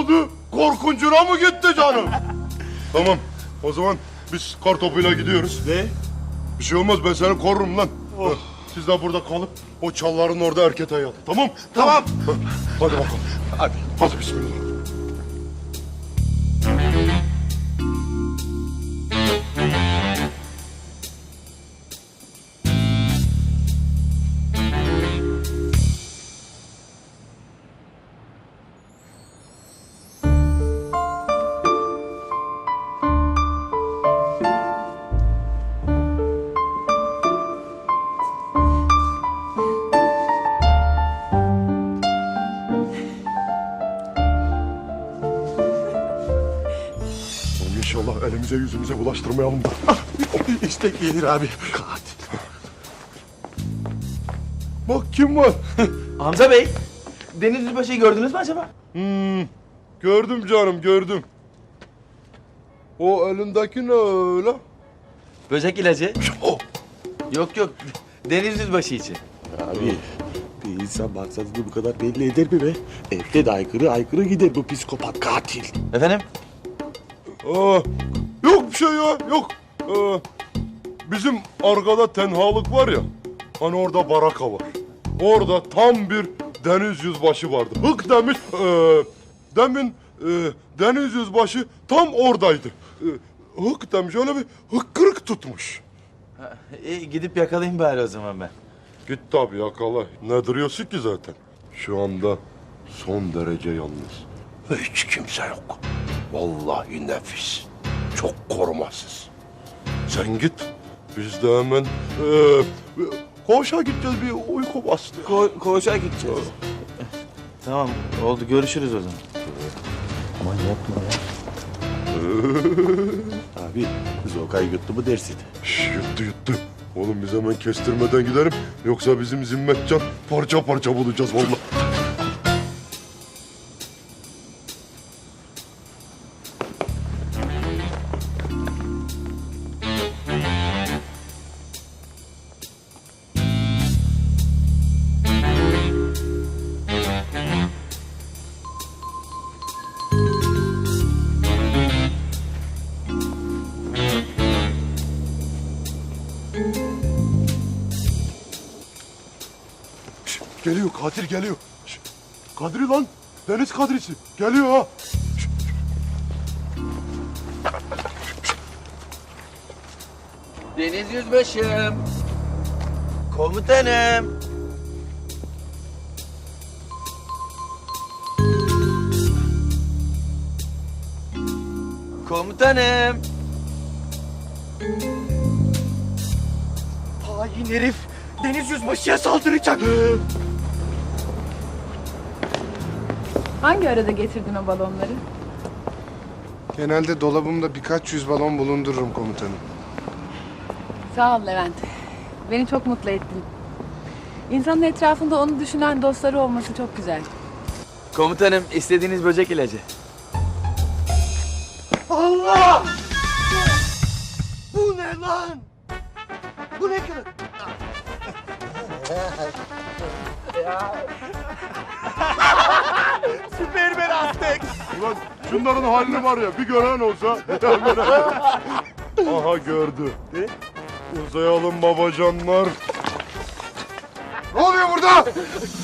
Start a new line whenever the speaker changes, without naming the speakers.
oldu? Korkuncuna mı gitti canım? Tamam, o zaman biz kartopuyla gidiyoruz.
Ne?
Bir şey olmaz, ben seni korurum lan. Siz de burada kalıp o çalların orada erkete yatın, tamam?
Tamam.
Hadi bakalım.
Hadi.
Hadi bismillah. Oğlum İnşallah elimize yüzümüze bulaştırmayalım da.
İşte gelir abi. Katil.
Bak kim var?
Hamza Bey, Deniz Yüzbaşı'yı gördünüz mü acaba?
Gördüm canım, gördüm. O elindeki ne öyle?
Böcek ilacı.
O.
Yok, Deniz Yüzbaşı için.
Abi bir insan maksadını bu kadar belli eder mi be? Evde de aykırı gider bu psikopat katil.
Efendim?
Yok bir şey ya, yok. Bizim arkada tenhalık var ya, hani orada baraka var. Orada tam bir deniz yüzbaşı vardı. Hık demiş, demin deniz yüzbaşı tam oradaydı. Hık demiş, öyle bir hıkkırık tutmuş.
İyi, gidip yakalayayım bari o zaman ben.
Git tabii yakala. Ne duruyorsun ki zaten? Şu anda son derece yalnız. Hiç kimse yok. Vallahi nefis. Çok korumasız. Sen git. Biz de hemen koğuşa gideceğiz, bir uyku bastı.
Koğuşa gideceğiz. Tamam, oldu. Görüşürüz o zaman.
Aman yapma ya. Abi Zokay yuttu mu dersin?
Yuttu. Oğlum biz hemen kestirmeden gidelim. Yoksa bizim Zimmetcan parça parça bulacağız vallahi. Geliyor, katil geliyor. Kadri lan, Deniz Kadrisi. Geliyor ha.
Deniz Yüzbaşım. Komutanım. Komutanım.
Hain herif Deniz Yüzbaşı'ya saldıracak.
Hangi arada getirdin o balonları?
Genelde dolabımda birkaç yüz balon bulundururum komutanım.
Sağ ol Levent. Beni çok mutlu ettin. İnsanın etrafında onu düşünen dostları olması çok güzel.
Komutanım, istediğiniz böcek ilacı.
Allah! Bu ne lan? Bu ne kadar? Süpermen Aztek!
Ulan şunların halini var ya, bir gören olsa. Aha gördü.
Ne?
Uzayalım babacanlar. Ne oluyor burada?